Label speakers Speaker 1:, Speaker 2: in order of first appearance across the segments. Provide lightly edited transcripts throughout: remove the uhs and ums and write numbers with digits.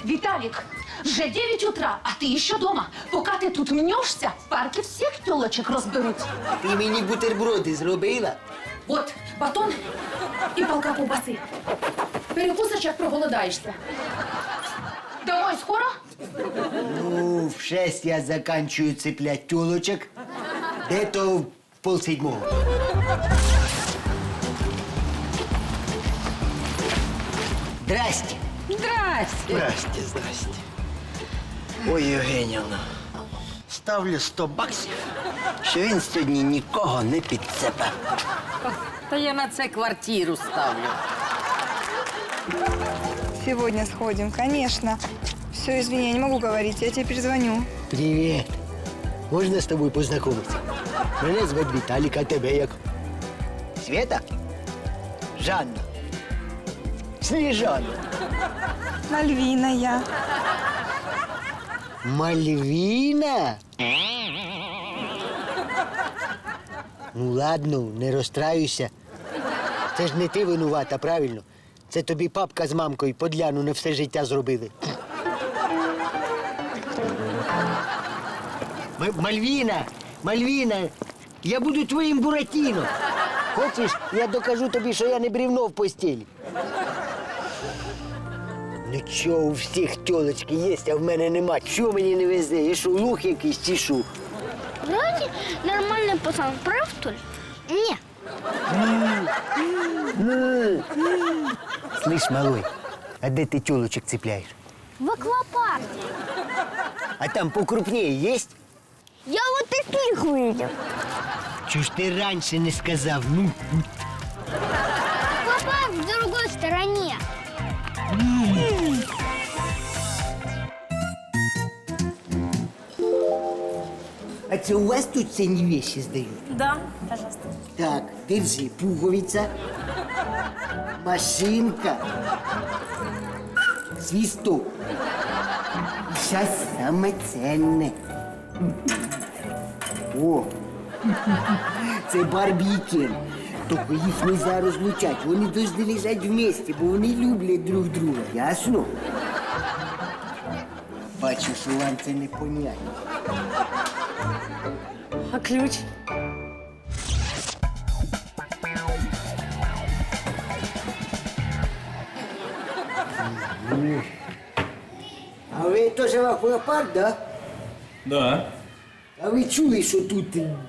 Speaker 1: Виталик, вже 9 утра, а ти ще дома. Поки ти тут мнешся, в парку всіх тілочок розберуть.
Speaker 2: Ти мені бутерброди зробила?
Speaker 1: От, батон і палка ковбаси. Перекусиш, як проголодаєшся. Домой скоро?
Speaker 2: Ну, в 6 я заканчиваю цеплять тілочок. Де-то в 6:30. Здрасте.
Speaker 3: Здрасте, здрасте. Ой, Євгенівна, ставлю 100 баксів, що він сьогодні нікого не підцепе.
Speaker 4: Та я на це квартиру ставлю.
Speaker 5: Сегодня сходим, конечно. Все, извини, я не могу говорить, я тебе перезвоню.
Speaker 2: Привіт. Можна з тобою познайомитися? Мене звати Віталік, а тебе як? Света? Жанна. Сніжана.
Speaker 5: Мальвина я.
Speaker 2: Мальвіна? Ну ладно, не розстраюйся. Це ж не ти винувата, правильно? Це тобі папка з мамкою подляну на все життя зробили. Мальвіна, Мальвіна, я буду твоїм Буратіно. Хочеш, я докажу тобі, що я не бревно в постелі. Ну чого, у всіх тілочки є, а в мене нема. Чого мені не везе? Я що, лух якийсь чи що?
Speaker 6: Вроде нормальный пацан, прав, что ли? Не.
Speaker 2: Слышь, малой, а де ти тілочок цепляєш?
Speaker 6: В аквапарке.
Speaker 2: А там покрупнее есть?
Speaker 6: Я вот таких видел.
Speaker 2: Чого ж ти раніше не сказав? Ну,
Speaker 6: Аквапарк в другой стороне.
Speaker 2: а це у вас тут цінні вещи здають?
Speaker 7: Да, пожалуйста.
Speaker 2: Так, держи, пуговиця, машинка, свисток. І зараз саме ценне. О, це Барбі і Кен. Тільки їх нельзя розлучати. Вони повинні лежати вместе, бо вони люблять друг друга. Ясно? Бачу, що вам це не понятно.
Speaker 7: А ключ?
Speaker 2: А ви теж в аквапарк, да?
Speaker 8: Да.
Speaker 2: А ви чули, що тут,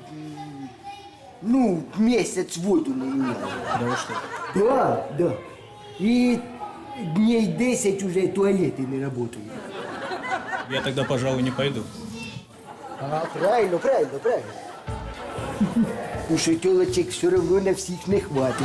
Speaker 2: ну, місяць воду не міняли?
Speaker 8: Да вы что?
Speaker 2: Да, да. І дней 10 уже туалети не працюють.
Speaker 8: Я тогда, пожалуй, не пойду.
Speaker 2: Ага, правильно, правильно, правильно. Ну що тілочек все одно на всіх не хватить.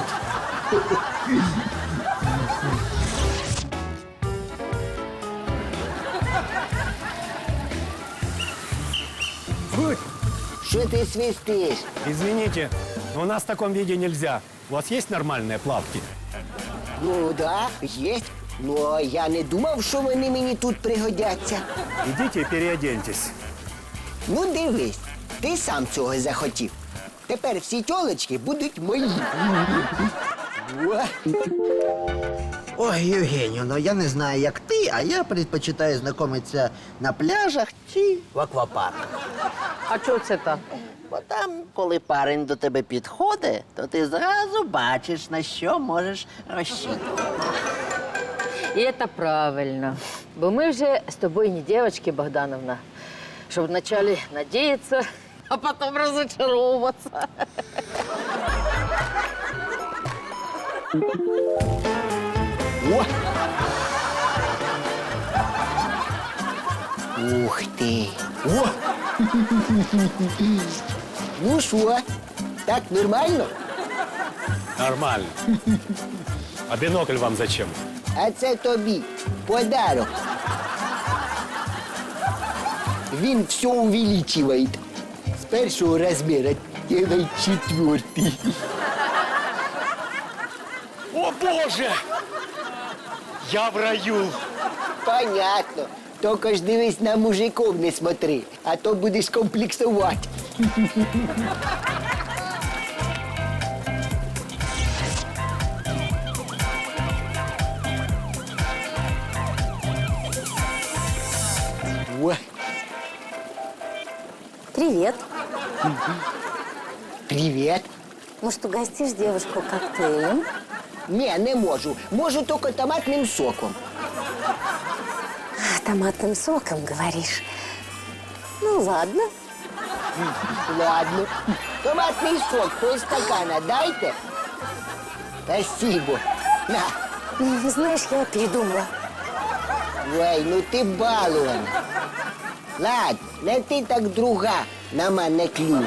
Speaker 2: Що ти свистиш?
Speaker 9: Извините, но у нас в таком виде нельзя. У вас есть нормальные плавки?
Speaker 2: Ну, да, є. Ну, я не думав, що вони мені тут пригодяться.
Speaker 9: Идите и переоденьтесь.
Speaker 2: Ну, дивись, ти сам цього захотів. Тепер всі тілочки будуть мої. О,
Speaker 3: Ой, Євгенівна, я не знаю, як ти, а я предпочитаю знайомитися на пляжах чи в аквапарках.
Speaker 4: А чого це так?
Speaker 3: Бо там, коли парень до тебе підходить, то ти зразу бачиш, на що можеш розчитувати.
Speaker 4: І це правильно. Бо ми вже з тобою не дівчатки, Богдановна, щоб вначале надіятися, а потім розочаровуватися.
Speaker 2: о. Ух ти. О! Ну що, так нормально?
Speaker 9: Нормально. А бинокль вам зачем?
Speaker 2: А це тобі подарок. Він все увеличивает. З першого розміру делай 4.
Speaker 9: О, Боже! Я в раю!
Speaker 2: Понятно. Тільки ж дивись на мужиков не смотри, а то будеш комплексувати. О,
Speaker 7: Привет.
Speaker 2: привіт.
Speaker 7: Может, угостишь девушку коктейлем?
Speaker 2: Ні, не можу. Можу тільки томатним соком.
Speaker 7: Томатным соком, говоришь? Ну, ладно.
Speaker 2: Ладно. Томатний сок полстакана дайте. Спасибо. На.
Speaker 7: Ну, знаешь, я передумала.
Speaker 2: Ой, ну ти балована. Ладно, не ти так друга на мене клюне.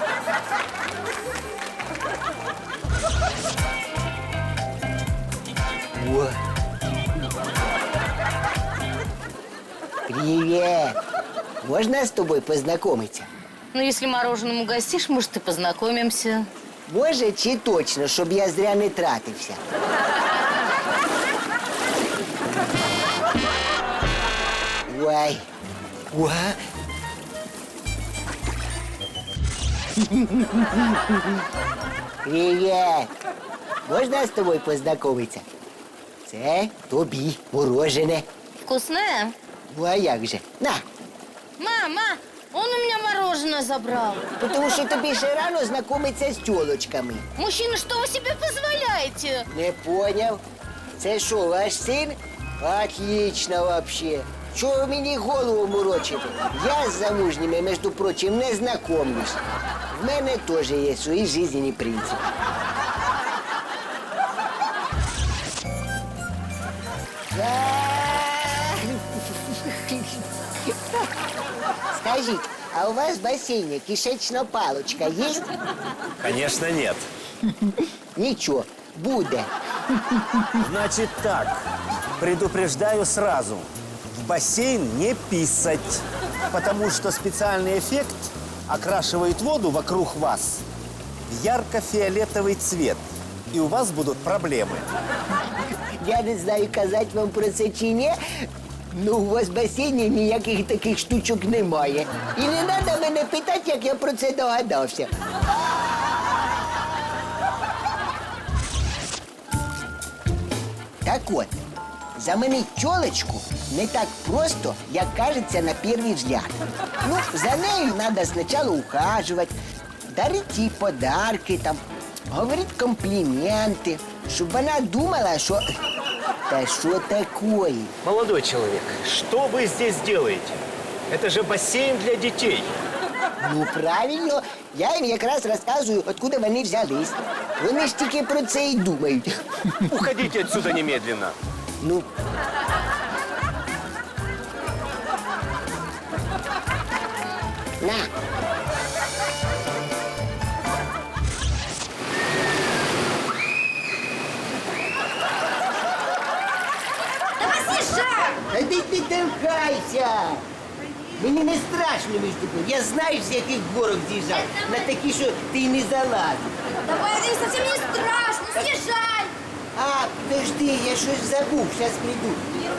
Speaker 2: О. Привет. Можно с тобой познакомиться?
Speaker 4: Ну, если мороженым угостишь, может, и познакомимся.
Speaker 2: Може, чи точно, щоб я зря не тратився? Ой. Ой. Привіт. Можна з тобою познайомитися? Це тобі морожене.
Speaker 4: Вкусное?
Speaker 2: Ну, а як же? На.
Speaker 4: Мама, он у меня мороженое забрал.
Speaker 2: Тому що тобі ще рано знайомитися з тьолочками.
Speaker 4: Мужчина, что вы себе позволяете?
Speaker 2: Не поняв. Це що, ваш син? Отлично вообще. Чого ви мені голову морочите? Я з замужніми, між прочим, не знайомлюсь. В мене теж є свої життєві принципи. Скажіть, а у вас в бассейне кишечна палочка є?
Speaker 9: Конечно, нет.
Speaker 2: Нічого, буде.
Speaker 9: Значит так, предупреждаю сразу. В бассейн не писать, потому что специальный эффект окрашивает воду вокруг вас в ярко-фиолетовый цвет, и у вас будут проблемы.
Speaker 2: Я не знаю, казати вам про це чи ні, ну у вас в басейні ніяких таких штучок немає. І не треба мене питати, як я про це догадався. Так от, заманить тьолочку не так просто, як кажеться на перший взгляд. Ну, за нею треба спочатку ухажувати, дарити їй подарки, там, говорити компліменти, щоб вона думала, що... Та що такое?
Speaker 9: Молодой человек, что вы здесь делаете? Это же бассейн для детей.
Speaker 2: Ну, правильно. Я їм якраз розказую, откуда вони взялись. Вони ж тільки про це і думають.
Speaker 9: Уходите отсюда немедленно.
Speaker 2: Ну. На. Та ти толкайся! Мені не страшно, між тобою. Я знаю, з яких горок з'їжджав. На такі, що ти й не залазив.
Speaker 6: Давай, это совсем не страшно, съезжай!
Speaker 2: А, подожди, я щось забув, зараз прийду.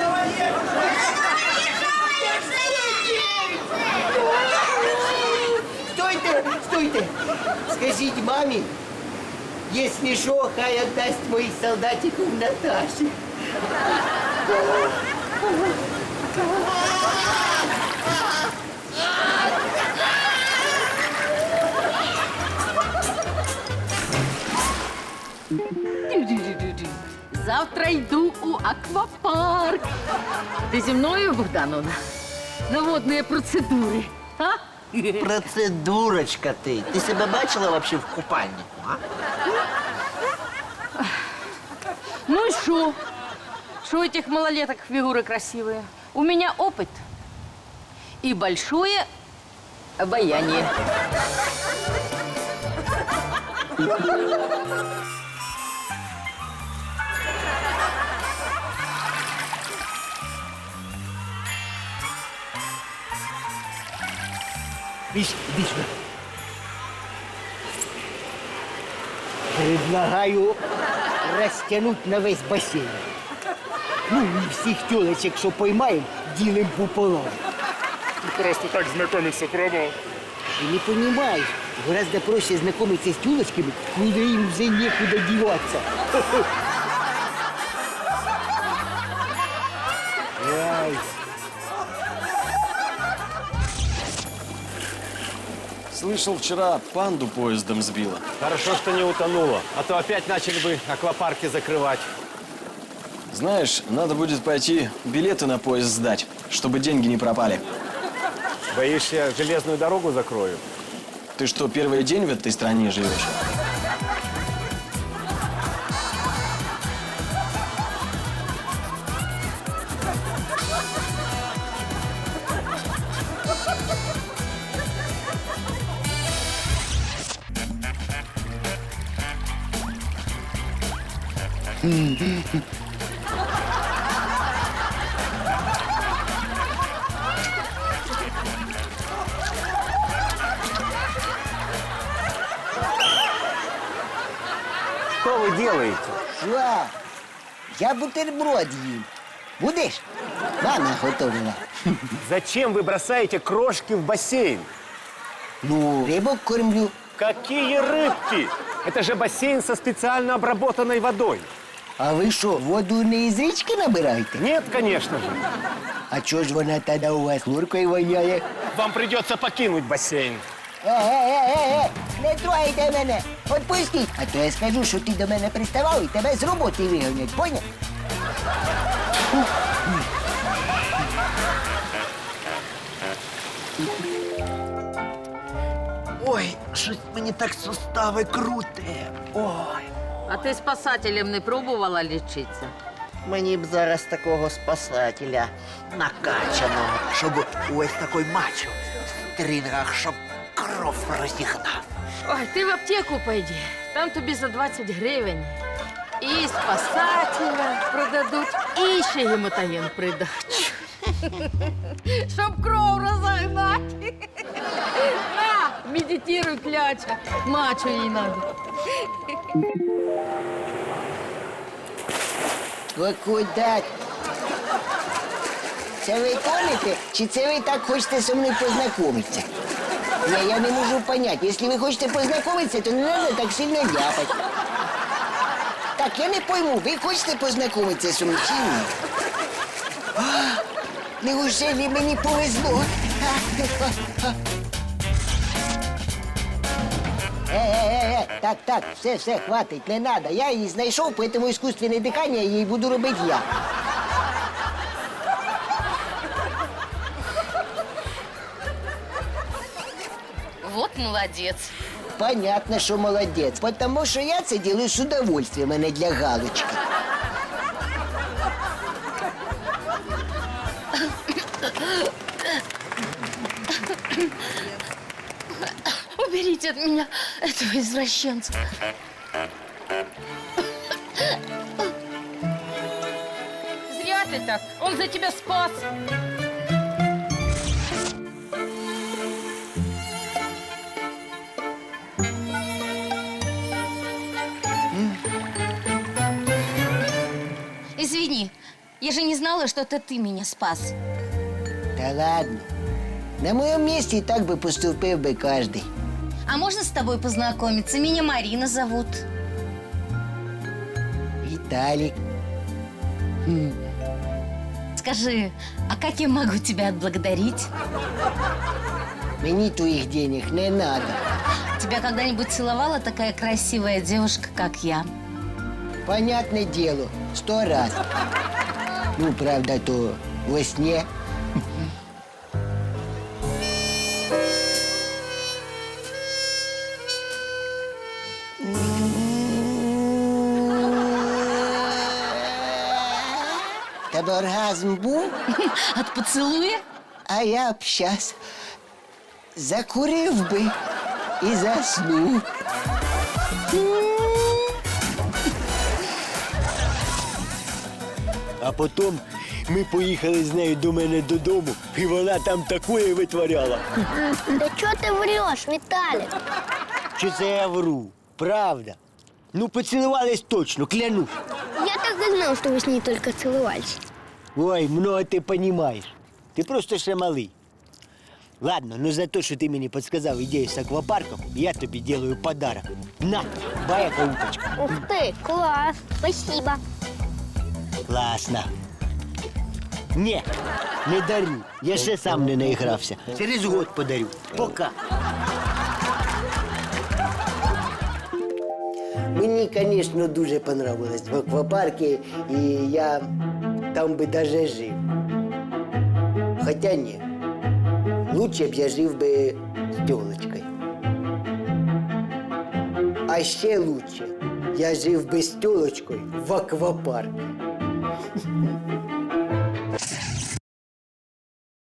Speaker 2: Стойте, стойте! Скажіть мамі, якщо що, хай віддасть моїх солдатиків Наташі.
Speaker 4: Завтра йду у аквапарк. Ти зі мною, Богдановна? На водні процедури. А?
Speaker 3: Процедурочка ти. Ти себе бачила вообще в купальнику, а?
Speaker 4: Ну и что? Что у этих малолеток фигуры красивые? У меня опыт и большое обаяние.
Speaker 2: Іди сюди. Предлагаю розтягнути на весь басейн. Ну і всіх тілочок, що поймаємо, ділимо пополам.
Speaker 10: Просто так знакомиться пробовал.
Speaker 2: Ты не понимаешь, гораздо проще знакомиться с тёлочками, куда им уже некуда деваться. Ай.
Speaker 11: Слышал, вчера панду поездом сбила.
Speaker 9: Хорошо, что не утонула, а то опять начали бы аквапарки закрывать.
Speaker 11: Знаешь, надо будет пойти билеты на поезд сдать, чтобы деньги не пропали.
Speaker 9: Боишься, железную дорогу закрою?
Speaker 11: Ты что, первый день в этой стране живешь?
Speaker 9: Что вы делаете?
Speaker 2: Що? Я бутерброд їм. Будеш? Мама готовила.
Speaker 9: Зачем вы бросаете крошки в бассейн?
Speaker 2: Ну, рибок кормлю.
Speaker 9: Какие рыбки? Это же бассейн со специально обработанной водой.
Speaker 2: А ви що, воду не із річки набираєте?
Speaker 9: Нет, конечно же.
Speaker 2: А чого ж вона тоді у вас нуркою воняє?
Speaker 9: Вам придется покинуть бассейн.
Speaker 2: Не трогайте мене! Отпустіть! А то я скажу, що ти до мене приставав і тебе з роботи вигонять, поняв?
Speaker 3: Ой, щось мені так сустави круте. Ой.
Speaker 4: А ти спасателем не пробувала лічитися?
Speaker 3: Мені б зараз такого спасателя накачаного, щоб ось такий мачо в стрінгах, щоб кров розігнав.
Speaker 4: Ой, ти в аптеку пойди. Там тобі за 20 гривень і спасателя продадуть, і ще гематоген придачу. Щоб кров розогнати. На, медитуй, кляча. Мачо їй надо.
Speaker 2: О, куди? Це ви тонете, чи це ви так хочете зі мною познайомитися? Я не можу поняти. Якщо ви хочете познайомитися, то не треба так сильно ляпати. Так, я не пойму, ви хочете познайомитися зі мною чи ні? Неужели мені повезло? Так, все, хватить, не надо. Я її знайшов, поэтому искусственное дыхание їй буду робити я.
Speaker 7: Вот молодец.
Speaker 2: Понятно, що молодець, потому що я це делаю з удовольствием, а не для галочки.
Speaker 7: Уберите от меня этого извращенца.
Speaker 4: Зря ты так. Он за тебя спас.
Speaker 7: Извини, я же не знала, что это ты меня спас.
Speaker 2: Та ладно. На моем месте и так бы поступил бы каждый.
Speaker 7: А можно с тобой познакомиться? Меня Марина зовут.
Speaker 2: Виталик.
Speaker 7: Скажи, а как я могу тебя отблагодарить?
Speaker 2: Мне твоих денег не надо.
Speaker 7: Тебя когда-нибудь целовала такая красивая девушка, как я?
Speaker 2: Понятное дело, 100 раз. Ну, правда, то во сне. Тебе оргазм був?
Speaker 7: От поцелуя?
Speaker 2: А я б щас закурив би і заснув.
Speaker 12: А потім ми поїхали з нею до мене додому, і вона там такое витворяла.
Speaker 6: Да что ты врешь, Виталик?
Speaker 12: Що це я вру? Правда. Ну, поцілувались точно, клянусь.
Speaker 6: Я так и знал, что вы с ней только целовались.
Speaker 12: Ой, много ти розумієш. Ти просто ще малий. Ладно, ну за те, що ти мені підказав ідею з аквапарком, я тобі делаю подарок. На, баяка уточка.
Speaker 6: Ух ты, класс, спасибо.
Speaker 12: Класно. Ні, не дарю. Я ще сам не наігрався. Через год подарю. Пока. Мені, звісно, дуже понравилось в аквапарку, і я там би даже жив. Хоча ні, лучше б я жив би з тілочкою. А ще лучше, я жив би з тілочкою в аквапарку.